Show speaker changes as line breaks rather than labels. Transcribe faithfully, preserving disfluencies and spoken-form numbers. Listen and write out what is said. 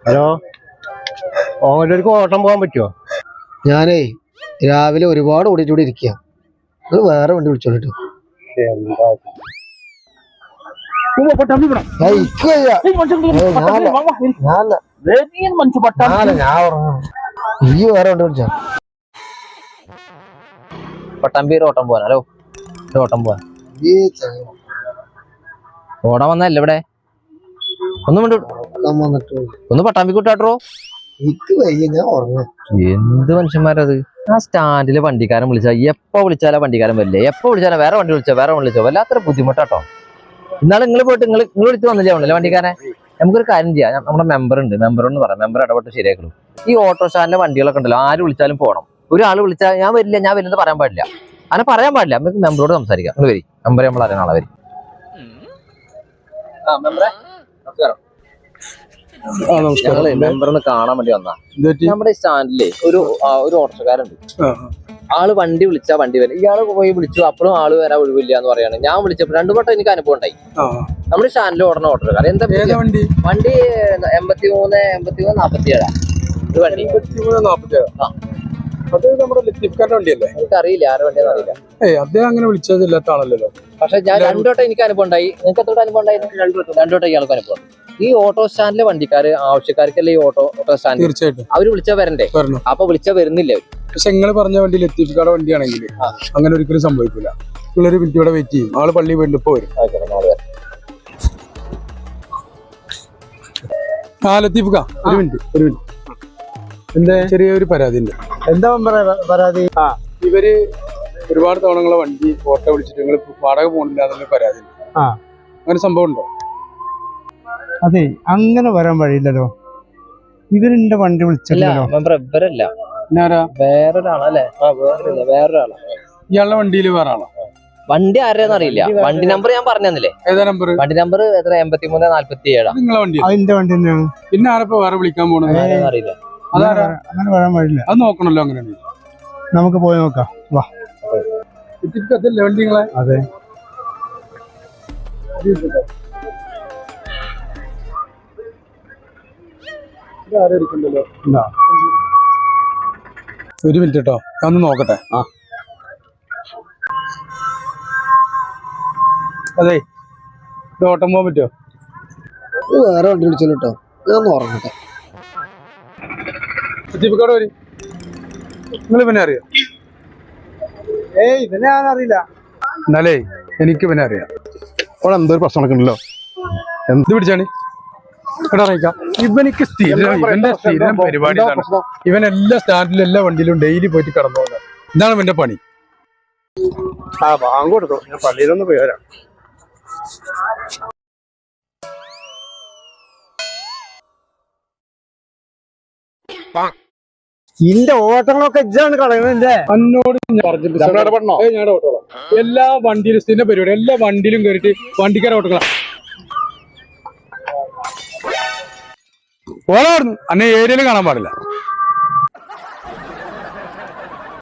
Hello, ഓങ്ങല്ലൂർക്ക് ഓട്ടം പോകാൻ പറ്റുമോ?
ഞാനേ രാവിലെ ഒരുപാട് ഓടിച്ചൂടി ഇരിക്കുക. നിങ്ങൾ വേറെ വണ്ടി വിളിച്ചോളിട്ടോ. ഈ വേറെ വണ്ടി വിളിച്ചാ
പട്ടാമ്പി ഒരു ഓട്ടം പോവാൻ. ഹലോ, ഒരു ഓട്ടം പോവാൻ. ഓടാൻ വന്നല്ലേ ഇവിടെ? ഒന്നും ഒന്ന് പട്ടാമ്പി കൂട്ടാട്ടോ. എന്ത് മനുഷ്യന്മാരത്? ആ സ്റ്റാൻഡിലെ വണ്ടിക്കാരൻ വിളിച്ചാ എപ്പോ വിളിച്ചാലാ വണ്ടിക്കാരൻ വരില്ലേ? എപ്പോ വിളിച്ചാലും വേറെ വണ്ടി വിളിച്ചോ വേറെ വണ്ടി വിളിച്ചോ വല്ലാത്തൊരു ബുദ്ധിമുട്ടാട്ടോ. ഇന്നാളെ നിങ്ങൾ പോയിട്ട് നിങ്ങൾ നിങ്ങൾ വിളിച്ച് വന്നില്ലേ ആണല്ലേ വണ്ടിക്കാരൻ? നമുക്കൊരു കാര്യം ചെയ്യാം, നമ്മുടെ മെമ്പർ ഉണ്ട്, മെമ്പറോട് പറയാം, മെമ്പർ ഇടപെട്ട് ശരിയാക്കണം. ഈ ഓട്ടോ സ്റ്റാൻഡിലെ വണ്ടികളൊക്കെ ഉണ്ടല്ലോ, ആര് വിളിച്ചാലും പോകണം. ഒരാൾ വിളിച്ചാൽ ഞാൻ വരില്ല ഞാൻ വരില്ലെന്ന് പറയാൻ പാടില്ല, അങ്ങനെ പറയാൻ പാടില്ല. നമുക്ക് മെമ്പറോട് സംസാരിക്കാം. നിങ്ങൾ വരി, മെമ്പറെ നമ്മൾ അറിയണം ആളെ വരി. ഞങ്ങള് മെമ്പറിന് കാണാൻ വേണ്ടി വന്നാ. നമ്മുടെ സ്റ്റാൻഡിലെ ഒരു ഒരു ഓട്ടോക്കാരുണ്ട്. ആള് വണ്ടി വിളിച്ചാ വണ്ടി വരും. ഇയാള് പോയി വിളിച്ചു, അപ്പോഴും ആള് വരാൻ ഒഴിവില്ല എന്ന് പറയാണ്. ഞാൻ വിളിച്ചപ്പോൾ രണ്ടു വട്ടം എനിക്ക് അനുഭവം ഉണ്ടായി. നമ്മുടെ സ്റ്റാൻഡിൽ ഓടണ ഓട്ടോക്കാരൻ എന്താ വണ്ടി വണ്ടി എൺപത്തി മൂന്ന് എൺപത്തി മൂന്ന് നാപ്പത്തി ഏഴാ ഒരു വണ്ടി.
അത് നമ്മുടെ ലത്തീഫ്ഖാന്റെ വണ്ടിയല്ലേ?
എനിക്കറിയില്ല ആരുടെ വണ്ടിയാന്ന് അറിയില്ല.
ഏയ് അദ്ദേഹം അങ്ങനെ വിളിച്ചതില്ലാത്ത ആളല്ലല്ലോ.
പക്ഷെ ഞാൻ രണ്ടോട്ടം എനിക്ക് അനുഭവം ഉണ്ടായി. നിങ്ങൾക്ക് എത്ര അനുഭവം ഉണ്ടായിരുന്നു? രണ്ടോട്ടം ഇയാൾക്ക് അനുഭവം. ഈ ഓട്ടോ സ്റ്റാൻഡിലെ വണ്ടിക്കാര് ആവശ്യക്കാർക്കല്ലേ ഈ ഓട്ടോ ഓട്ടോ സ്റ്റാൻഡ്?
തീർച്ചയായിട്ടും
അവര് വിളിച്ചാ വരണ്ടേ? അപ്പൊ വിളിച്ചാ വരുന്നില്ല അവര്.
പക്ഷെ നിങ്ങൾ പറഞ്ഞ വണ്ടി ലത്തീഫ്ഖാന്റെ വണ്ടിയാണെങ്കിൽ അങ്ങനെ ഒരിക്കലും സംഭവിക്കില്ല. നിങ്ങളൊരു മിനിറ്റ് ഇവിടെ വെയിറ്റ് ചെയ്യും. ആള് പള്ളി പോയിട്ട് ഇപ്പൊ വരും. ആ ലത്തീഫ്ഖ, ഒരു മിനിറ്റ് ഒരു മിനിറ്റ് എന്താ ചെറിയൊരു പരാതി ഉണ്ട്.
എന്താ പരാതി?
ആ ഇവര് ഒരുപാട് തവണങ്ങളെ വണ്ടി ഓട്ടോ വിളിച്ചിട്ട് നിങ്ങൾ വാടക പോകണില്ല എന്നുള്ള പരാതി ഉണ്ട്.
ആ
അങ്ങനെ സംഭവം ഉണ്ടോ?
അതെ, അങ്ങനെ വരാൻ വഴിയില്ലല്ലോ. ഇവരെന്റെ വണ്ടി വിളിച്ചല്ലോ.
ഇവരല്ല,
ഞാനാ
വേറൊരാളല്ലേ? ആ വേറൊരാള വേറൊരാളാ.
ഇയാളുടെ വണ്ടിയിൽ വേറെ ആളാ?
വണ്ടി ആരെയെന്ന് അറിയില്ല. വണ്ടി നമ്പർ ഞാൻ പറഞ്ഞില്ലേ?
ഏതാ നമ്പർ?
വണ്ടി നമ്പർ എത്ര? എൺപത്തി മൂന്ന് നാല്പത്തി ഏഴാ
നിങ്ങളെ വണ്ടി?
അതിന്റെ വണ്ടി തന്നെയാണ്.
പിന്നെ ആരപ്പോ വേറെ വിളിക്കാൻ പോണത്?
അറിയില്ല.
അതാരാ?
അങ്ങനെ വരാൻ വഴിയില്ല.
അത് നോക്കണല്ലോ. അങ്ങനെ
നമുക്ക് പോയി നോക്കാം. വാ.
അതല്ലേ വണ്ടി നിങ്ങളെ?
അതെ.
ഒരു മിനിറ്റ് കേട്ടോ, ഞാൻ ഒന്ന് നോക്കട്ടെ. ആ അതെ, ഇത് ഓട്ടം പോകാൻ പറ്റുമോ?
വേറെ വണ്ടി വിളിച്ചല്ലോ കേട്ടോ, ഞാൻ ഒന്ന് ഉറങ്ങട്ടെ.
ലത്തീഫ്ഖാട് വരി. നിങ്ങൾ പിന്നെ അറിയോ?
ഏയ് ഇവനെ ഞാൻ അറിയില്ല.
എന്നാലേ എനിക്ക് പിന്നെ അറിയാം. അവിടെ എന്തോ ഒരു പ്രശ്നമൊക്കെ ഉണ്ടല്ലോ. എന്ത് പിടിച്ചാണ് എടാ അറിയിക്കാം. ഇവനിക്ക് സ്ഥിരം ഇവന്റെ സ്ഥിരം പരിപാടി ഇതാണ്. ഇവൻ എല്ലാ സ്റ്റാൻഡിലും എല്ലാ വണ്ടിയിലും ഡെയിലി പോയിട്ട് കടന്നു പോകുന്നത്. ഇതാണ് ഇവന്റെ പണി.
ആ ബാങ്ക് കൊടുത്തു, ഞാൻ പള്ളിയിലൊന്ന് പോയി വരാം.
ഇന്റെ ഓട്ടങ്ങളൊക്കെ ഇജ്ജാണ് കളയുന്നത്.
എന്നോട് എല്ലാ വണ്ടിയിലും സ്ഥിരം പരിപാടി, എല്ലാ വണ്ടിയിലും കയറിയിട്ട് വണ്ടിക്കാരെ ഓട്ടങ്ങളാണ്. ഓടായിരുന്നു അന്നെ ഏരിയയിൽ കാണാൻ പാടില്ല.